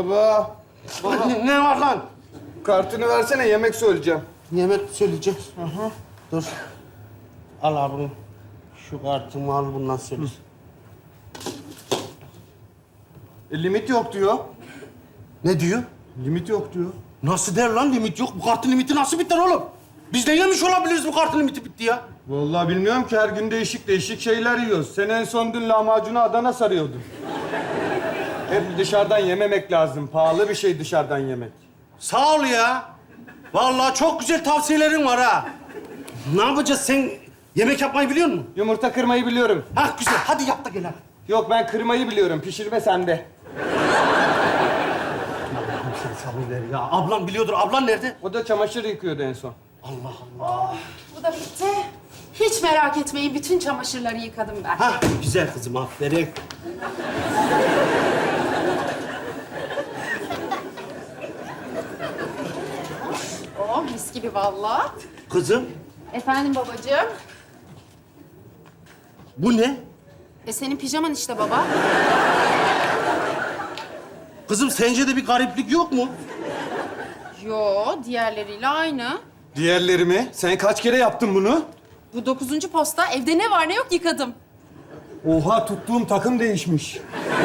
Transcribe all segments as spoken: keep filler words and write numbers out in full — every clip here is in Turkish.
Baba. Baba. Ne, ne var lan? Kartını versene, yemek söyleyeceğim. Yemek söyleyeceğiz. Aha. Dur. Al abi. Şu kartımı al, bundan söyle. E, limit yok diyor. Ne diyor? Limit yok diyor. Nasıl der lan limit yok? Bu kartın limiti nasıl biter oğlum? Biz de yemiş olabiliriz bu kartın limiti bitti ya. Vallahi bilmiyorum ki, her gün değişik değişik şeyler yiyoruz. Sen en son dün lahmacunu Adana sarıyordun. Hep dışarıdan yememek lazım. Pahalı bir şey dışarıdan yemek. Sağ ol ya. Vallahi çok güzel tavsiyelerin var ha. Ne yapacağız? Sen yemek yapmayı biliyor musun? Yumurta kırmayı biliyorum. Hah güzel. Hadi yap da gel hadi. Yok, ben kırmayı biliyorum. Pişirme sende. Sen sabır ver ya. Ablam biliyordur. Ablan nerede? O da çamaşır yıkıyordu en son. Allah Allah. Bu da bitti. Hiç merak etmeyin, bütün çamaşırları yıkadım ben. Hah güzel kızım, aferin. Oh, mis gibi vallahi. Kızım, Efendim babacığım? bu ne? E senin pijaman işte baba. Kızım sence de bir gariplik yok mu? Yo, diğerleriyle aynı. Diğerleri mi? Sen kaç kere yaptın bunu? Bu dokuzuncu posta. Evde ne var ne yok yıkadım. Oha, tuttuğum takım değişmiş.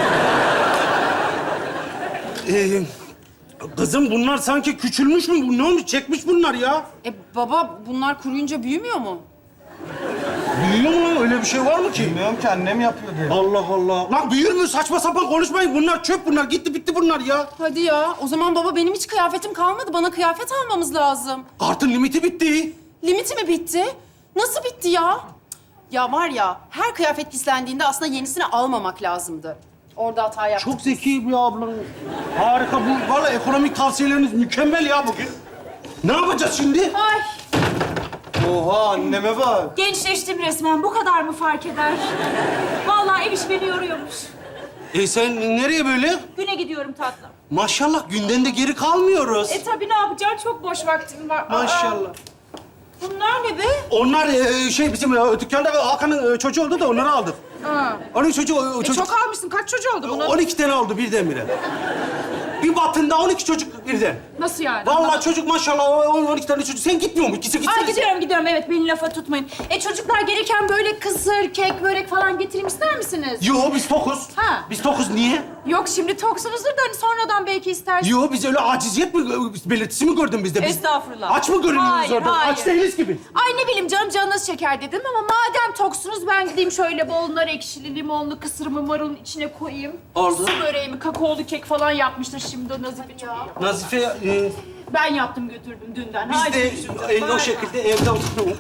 Ee, kızım bunlar sanki küçülmüş mü? Bu ne olmuş? Çekmiş bunlar ya. E baba, bunlar kuruyunca büyümüyor mu? Büyüyor mu lan? Öyle bir şey var mı ki? Bilmiyorum ki, annem yapıyor diye. Allah Allah. Lan büyür mü? Saçma sapan konuşmayın. Bunlar çöp bunlar. Gitti bitti bunlar ya. Hadi ya. O zaman baba, benim hiç kıyafetim kalmadı. Bana kıyafet almamız lazım. Kartın limiti bitti. Limiti mi bitti? Nasıl bitti ya? Ya var ya, her kıyafet pislendiğinde aslında yenisini almamak lazımdı. Orada hata yaptık. Çok zeki bir ablam. Harika. Bu vallahi ekonomik tavsiyeleriniz mükemmel ya bugün. Ne yapacağız şimdi? Ay, Oha, anneme bak. Gençleştim resmen. Bu kadar mı fark eder? Vallahi ev iş beni yoruyormuş. E sen nereye böyle? Güne gidiyorum tatlım. Maşallah günden de geri kalmıyoruz. E tabii ne yapacağım? Çok boş vaktim var. Aa, Maşallah. bunlar ne be? Onlar e, şey bizim e, dükkanda Hakan'ın e, çocuğu oldu da onları aldık. ha. Onun çocuğu, o E, çocuk... çok almışsın. Kaç çocuğu oldu bunun? on iki tane oldu birdenbire. Bir batında on iki çocuk birden. Nasıl yani? Vallahi çocuk maşallah on on iki tane çocuk. Sen gitmiyor mu? İkisi gitsene. Ay gidiyorum gidiyorum. Evet beni lafa tutmayın. E çocuklar gelirken böyle kısır, kek, börek falan getireyim ister misiniz? Yo biz tokuz. Ha. Biz tokuz niye? Yok şimdi toksunuzdur da hani sonradan belki istersiniz. Yo biz öyle aciziyet mi belirtisi mi gördün bizde? Biz Estağfurullah. aç mı görünüyoruz Hayır, orada? hayır. Aç değiliz gibi. Ay ne bileyim canım canınız çeker dedim ama madem toksunuz ben gideyim şöyle bol nar ekşili, limonlu kısırımı marulun içine koyayım. Oldu. Su böreğimi, kakaolu kek falan yapmıştır şimdi o Nazife çok iyi. Nazife e, Ben yaptım götürdüm dünden. biz Haydi de görüşürüz. e, o Bay şekilde evde oturuyoruz.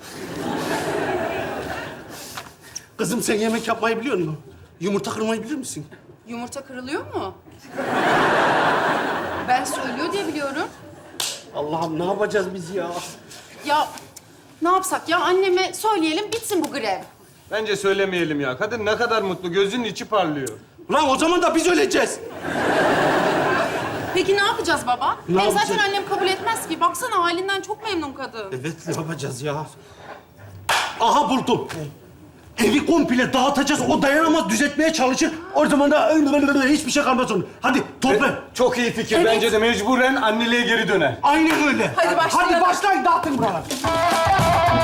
Kızım sen yemek yapmayı biliyor musun? Yumurta kırmayı bilir misin? Yumurta kırılıyor mu? Ben söylüyor diye biliyorum. Allah'ım ne yapacağız biz ya? Ya ne yapsak ya? Anneme söyleyelim, bitsin bu grev. Bence söylemeyelim ya. Kadın ne kadar mutlu, gözünün içi parlıyor. Ulan o zaman da biz öleceğiz. Peki ne yapacağız baba? Ne Hem yapacağız? zaten annem kabul etmez ki. Baksana halinden çok memnun kadın. Evet ne yapacağız ya? Aha buldum. Evi komple dağıtacağız. O dayanamaz, düzeltmeye çalışır. O zaman da hiçbir şey kalmaz onun. Hadi topla. Çok iyi fikir. Evet. Bence de mecburen anneliğe geri döner. Aynen öyle. Hadi başlayalım. Hadi başlayın dağıtın buraları.